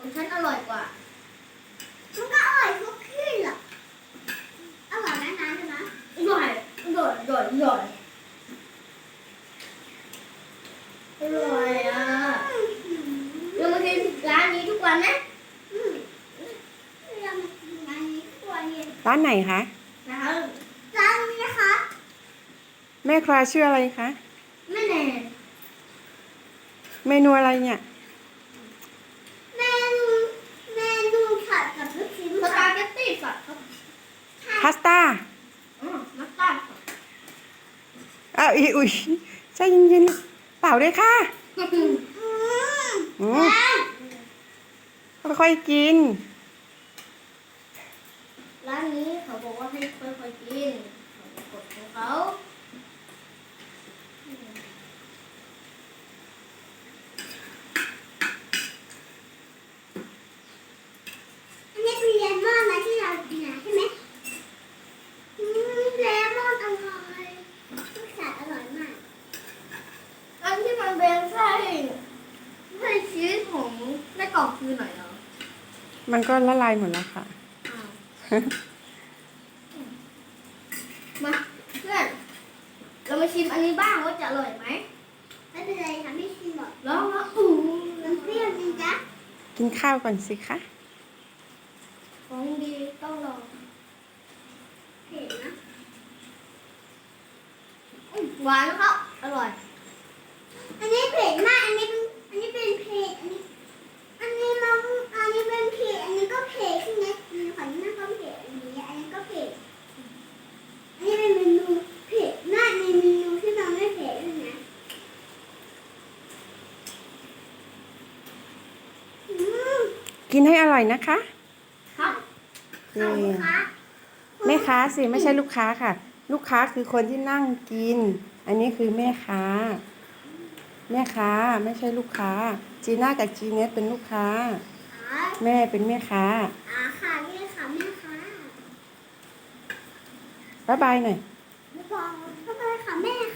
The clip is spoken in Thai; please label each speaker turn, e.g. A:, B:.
A: ของฉันอร่อยกว่า
B: มันก็อร่อยทุกที่แหละอร่อยนะน้ำใช่ไหม
A: อร่อยอร่อยอร่อยอร่อยอร่อยอ่ะเรามากินร้านนี้ทุกวันนะ
B: เรามากินร้านนี้ทุกวันเลย
C: ร้านไหนคะ
A: นะครับ
B: ร้านนี้นะคะ
C: แม่คลาชื่ออะไรคะ
A: แม่แน่
C: เมนูอะไรเนี่ย
B: เมนูเมนูผัดกับลูกชิ้น
A: ส
B: ค่ะ
A: ปาเกตตี้สัตว์ครับ
C: พาสต้า
A: มัสตาร์ดครับ
C: อ้าวอุ้ยใจเย็นๆเปล่าด้วยค่ะ
B: อืม
C: อืมค่อยๆกิน
A: ร้านนี้เขาบอกว่าให้ค่อยๆกินเขาบอกกฎของเขา
B: อันนี้เป็นเลมอนนะที่เรากินนะใช่ไหมเลมอนอร่อยรสชาติอร่อยมาก
A: อันที่มันเป็นไส้ชีสของในกล่องคือไหนเหรอ
C: มันก็ละลายหมดแล้วค่ะ
A: อ้าวมาเพื่อนเรามาชิมอันนี้บ้างว่าจะอร่อยไหม
B: ไม่เป็นไรค่ะไม่ชิมหรอก
A: ลองมาอู้
B: มันเปรี้ยวจริงจ๊ะ
C: กินข้าวก่อนสิคะ
A: ของดีต้องลอง
B: เผ็ดนะ
A: หวานนะครับอร่อย
B: อันนี้เผ็ดมากอันนี้เป็นเผ็ดอันนี้มันอันนี้เป็นเผ็ดอันนี้ก็เผ็ดใช่ไหมมีขวัญหน้าก็เผ็ดอันนี้ก็เผ็ดอันนี้เป็นเมนูเผ็ดมากในเมนูที่เราไม่เผ็ดด้วยนะอืม
C: กินให้อร่อยนะคะ
A: ครับ
C: เย้
B: ขอบคุณค่ะ
C: แม่ค้าสิไม่ใช่ลูกค้าค่ะ ลูกค้าคือคนที่นั่งกิน อันนี้คือแม่ค้า แม่ค้าไม่ใช่ลูกค้า จีน่ากับจีเนสเป็นลูกค้า
B: อ๋อ
C: แม่เป็นแม่ค้า
B: ค่ะนี่ค่ะแม่ค่ะ
C: บ๊ายบายหน่อย
B: ไม่บอกก็ไปค่ะแม่